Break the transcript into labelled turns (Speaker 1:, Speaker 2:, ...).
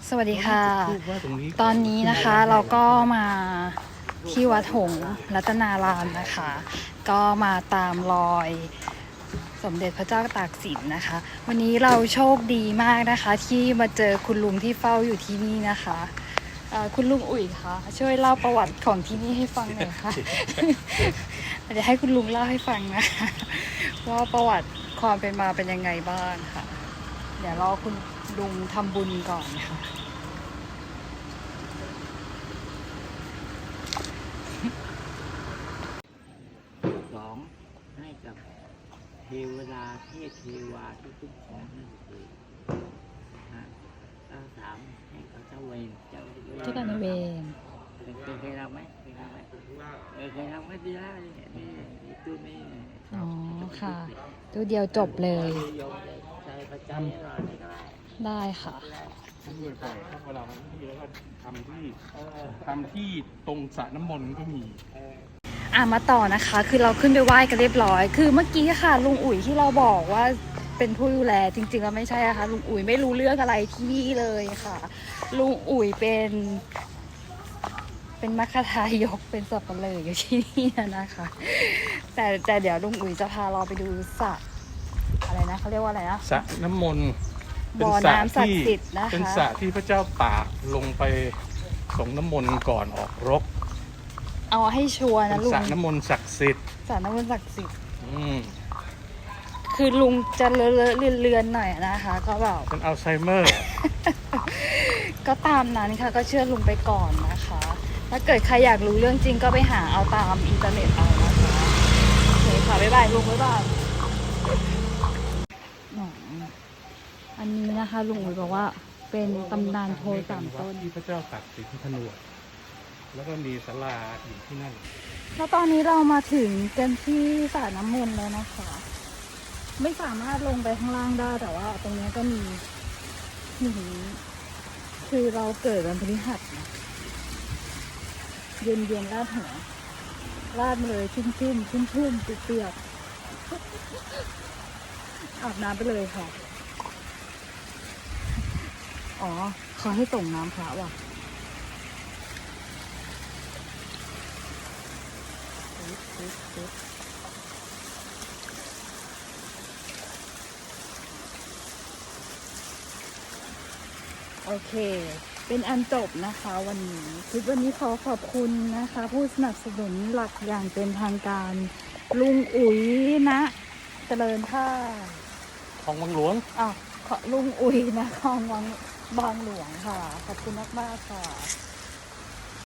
Speaker 1: สวัสดีค่ะตอนนี้นะคะเราก็มาที่วัดหงส์รัตนารามนะคะก็มาตามรอยสมเด็จพระเจ้าตากสินนะคะวันนี้เราโชคดีมากนะคะที่มาเจอคุณลุงที่เฝ้าอยู่ที่นี่นะคะคุณลุงอุ๋ยคะช่วยเล่าประวัติของที่นี่ให้ฟังหน่อยค่ะ เดี๋ยวให้คุณลุงเล่าให้ฟังนะคะว่าประวัติความเป็นมาเป็นยังไงบ้างค่ะเดี๋ยวรอคุณลุงทำบุญก่อนค่ะ
Speaker 2: สองให้กับเทวดาเทพเทวาที่คุ้มครองนั่นเองแล้วสามให้กับเจ้าเวรเจ้าการเวรเคยทำไหมเคยทำไม่ดีแล้วนี่ตัวนี้
Speaker 1: อ๋อค่ะตัวเดียวจบเลย
Speaker 2: ใช้ประจำ
Speaker 1: ได้ค่ะ
Speaker 3: เวลาทำที่แล้วก็ทำที่ตรงสระน้ำมนต์ก็มี
Speaker 1: มาต่อนะคะคือเราขึ้นไปไหว้กันเรียบร้อยคือเมื่อกี้ค่ะลุงอุ๋ยที่เราบอกว่าเป็นผู้ดูแลจริงๆแล้วไม่ใช่นะคะลุงอุ๋ยไม่รู้เรื่องอะไรที่นี่เลยค่ะลุงอุ๋ยเป็นมัคคทายกเป็นสับปะเลออยู่ที่นี่นะคะแต่เดี๋ยวลุงอุ๋ยจะพาเราไปดูสระอะไรนะเขาเรียกว่าอะไรนะ
Speaker 3: สระน้ำมนต์
Speaker 1: บ่อน้ำศักดิ์สิทธิ์นะคะ
Speaker 3: เป็นสระที่พระเจ้าตากลงไปส่งน้ำมนต์ก่อนออกรบ
Speaker 1: เอาให้ชัวร์นะลุง
Speaker 3: สระน้ำมนต์ศักดิ์สิทธิ์
Speaker 1: สระน้ำมนต์ศักดิ์สิทธิ์คือลุงจะเลอะเลือนๆหน่อยนะคะก็แบบ
Speaker 3: เป็นอัลไซเมอร์
Speaker 1: ก็ตามนั้นค่ะก็เชื่อลุงไปก่อนนะคะถ้าเกิดใครอยากรู้เรื่องจริงก็ไปหาเอาตามอินเทอร์เน็ตเอานะคะโอเคค่ะบ๊ายบายลุงบ๊ายบายอันนี้นะคะลุงอุ๋ยบอกว่าเป็นตำนานโพสามต้น
Speaker 3: ที่พระเจ้าตากสินผนวดแล้วก็มีศาลาอยู่ที่นั่น
Speaker 1: แล้วตอนนี้เรามาถึงกันที่สระน้ำมนต์แล้วนะคะไม่สามารถลงไปข้างล่างได้แต่ว่าตรงนี้ก็มีคือเราเกิดวันพฤหัสนะเย็นราดหัวราดเลยชุ่มเปียกอาบน้ำไปเลยค่ะอ๋อเขาให้ส่งน้ำพระว่ะโอเคเป็นอันจบนะคะวันนี้คลิปวันนี้ขอขอบคุณนะคะผู้สนับสนุนหลักอย่างเป็นทางการลุงอุ๋ยนะเจริญท่า
Speaker 3: ของวังหลวง
Speaker 1: ขอลุงอุ๋ยนะของวังบางหลวงค่ะขอบคุณมากๆค่ะ